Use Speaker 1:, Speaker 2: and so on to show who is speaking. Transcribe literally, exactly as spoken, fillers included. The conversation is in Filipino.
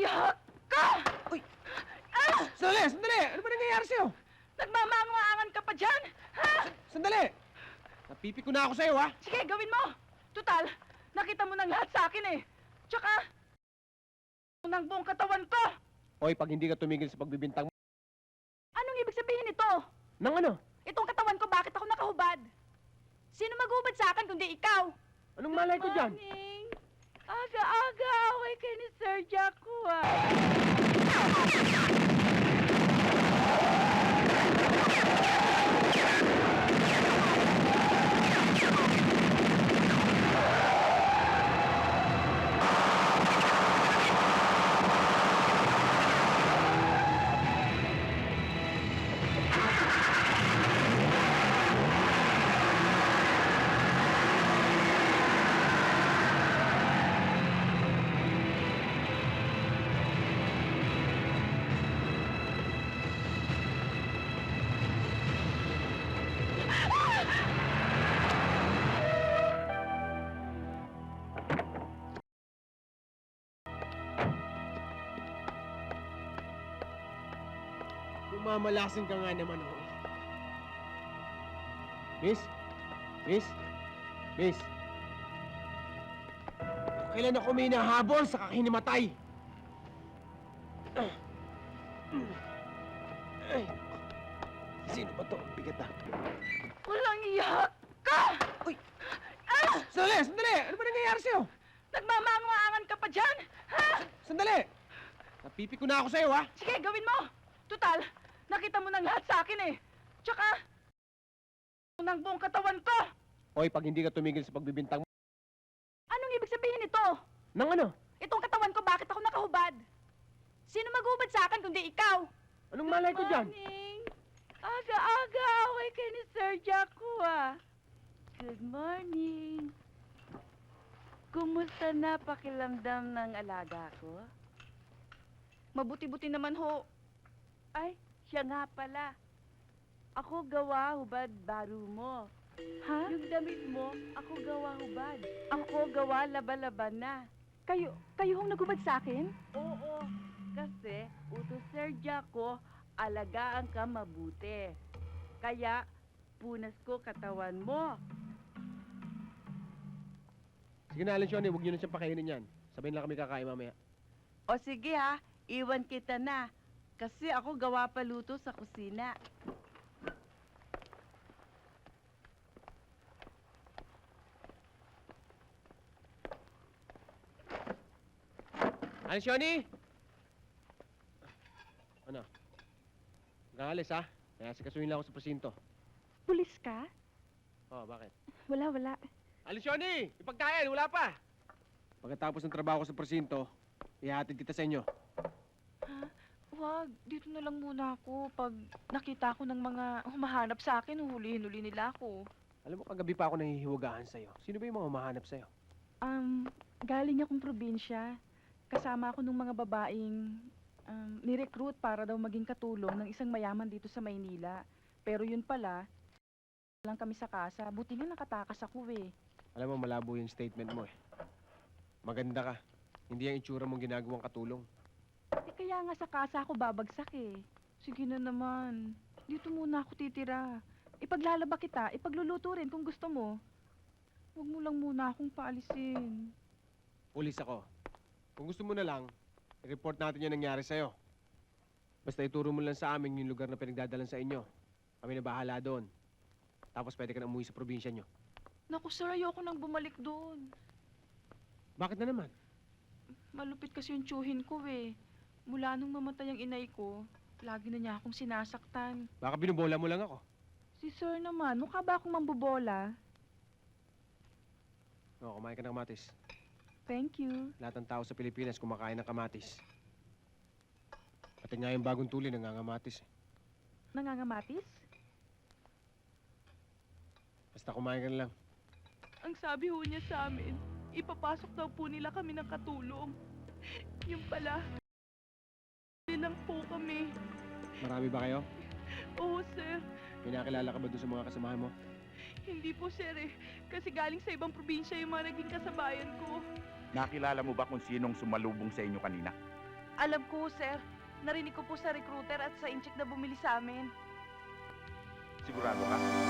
Speaker 1: iyak ka!
Speaker 2: Uy!
Speaker 1: Ah!
Speaker 2: Sandali! Sandali! Ano ba nangyayari sa'yo?
Speaker 1: Nagmamaang-maangan ka pa dyan? Ha?
Speaker 2: Sandali! Napipi ko na ako sa'yo, ha?
Speaker 1: Sige, gawin mo! Tutal, nakita mo ng lahat sa akin eh. Tsaka, ng buong katawan ko!
Speaker 2: Hoy, pag hindi ka tumigil sa pagbibintang mo...
Speaker 1: Anong ibig sabihin nito?
Speaker 2: Nang ano?
Speaker 1: Itong katawan ko, bakit ako nakahubad? Sino maghubad sa akin kundi ikaw?
Speaker 2: Anong malay ko dyan?
Speaker 1: Morning. Aga-aga, away kay ni Sir Jaco ah.
Speaker 2: Mamalasin ka nga naman, oh. Miss? Miss? Miss? Kailan ako may nahabol sa kakinimatay? Ay, sino ba to? Bigat ah.
Speaker 1: Walang iyak ka!
Speaker 2: Uy!
Speaker 1: Ah!
Speaker 2: Sandali! Sandali! Ano ba nangyayari sa'yo?
Speaker 1: Nagmamaang-maangan ka pa dyan? Ha?
Speaker 2: Sandali! Napipi ko na ako sa'yo, ha?
Speaker 1: Sige, gawin mo! Tutal, nakita mo ng lahat sa akin eh. Tsaka, ng buong katawan ko!
Speaker 2: Hoy, pag hindi ka tumigil sa pagbibintang mo...
Speaker 1: Anong ibig sabihin nito?
Speaker 2: Nang ano?
Speaker 1: Itong katawan ko, bakit ako nakahubad? Sino maghubad sa akin kundi ikaw?
Speaker 2: Anong malay ko dyan?
Speaker 1: Morning. Aga-aga, away kay ni Sir Jaco ah. Good morning. Kumusta na pakiramdam ng alaga ko? Mabuti-buti naman ho. Ay, siya nga pala. Ako gawa hubad baro mo. Ha? Yung damit mo, ako gawa hubad. Ako gawa laba-laban na. Kayo, kayo hong nagubad sa akin? Oo, kasi utos Sir Jaco, alagaan ka mabuti. Kaya, punas ko katawan mo.
Speaker 2: Sige na, Alan Shoni, huwag niyo na siyang pakainin yan. Sabihin lang kami kakain mamaya.
Speaker 3: O sige ha, iwan kita na. Kasi ako gawa pa luto sa kusina.
Speaker 2: Alan Shoni! Ano? Nakalis, ha? Kaya sikasuhin lang ako sa presinto.
Speaker 1: Pulis ka?
Speaker 2: Oh, bakit?
Speaker 1: Wala, wala.
Speaker 2: Alan Shoni! Ipagkain, wala pa! Pagkatapos ng trabaho ko sa presinto, ihatid kita sa inyo.
Speaker 1: Ha? Wag, dito na lang muna ako. Pag nakita ko ng mga humahanap sa akin, huhulihin-huli nila ako.
Speaker 2: Alam mo, kagabi pa ako nahihiwagaan sa'yo. Sino ba yung mga humahanap sa'yo?
Speaker 1: Um, galing akong probinsya. Kasama ako ng mga babaeng um, nirecruit para daw maging katulong ng isang mayaman dito sa Maynila. Pero yun pala, lang kami sa kasa. Buti nga nakatakas ako eh.
Speaker 2: Alam mo, malabo yung statement mo eh. Maganda ka. Hindi ang itsura mong ginagawang katulong.
Speaker 1: Eh kaya nga sa kasa ako babagsak eh. Sige na naman. Dito muna ako titira. Ipaglalaba kita, ipagluluto rin kung gusto mo. Huwag mo lang muna akong paalisin.
Speaker 2: Pulis ako. Kung gusto mo na lang, i-report natin yung nangyari sa'yo. Basta ituro mo lang sa amin yung lugar na pinagdadalan sa inyo. Kami na bahala doon. Tapos pwede ka na umuwi sa probinsya nyo.
Speaker 1: Naku sir, ayoko nang bumalik doon.
Speaker 2: Bakit na naman?
Speaker 1: Malupit kasi yung tsuhin ko eh. Mula nung mamatay ang inay ko, lagi na niya akong sinasaktan.
Speaker 2: Baka binubola mo lang ako.
Speaker 1: Si sir naman, mukha ba akong mambobola?
Speaker 2: Oo, kumain ka ng kamatis.
Speaker 1: Thank you.
Speaker 2: Lahat ng tao sa Pilipinas kumakain ng kamatis. Pati nga yung bagong tuli nangangamatis eh.
Speaker 1: Nangangamatis?
Speaker 2: Basta kumain ka na lang.
Speaker 1: Ang sabi ho niya sa amin, ipapasok daw po nila kami ng katulong. Yung pala, lang po kami.
Speaker 2: Marami ba kayo?
Speaker 1: Oo, sir.
Speaker 2: May nakilala ka ba doon sa mga kasamahan mo?
Speaker 1: Hindi po, sir eh. Kasi galing sa ibang probinsya yung mga naging kasabayan ko.
Speaker 4: Nakilala mo ba kung sinong sumalubong sa inyo kanina?
Speaker 1: Alam ko, sir. Narinig ko po sa recruiter at sa incheck na bumili sa amin.
Speaker 4: Sigurado ka?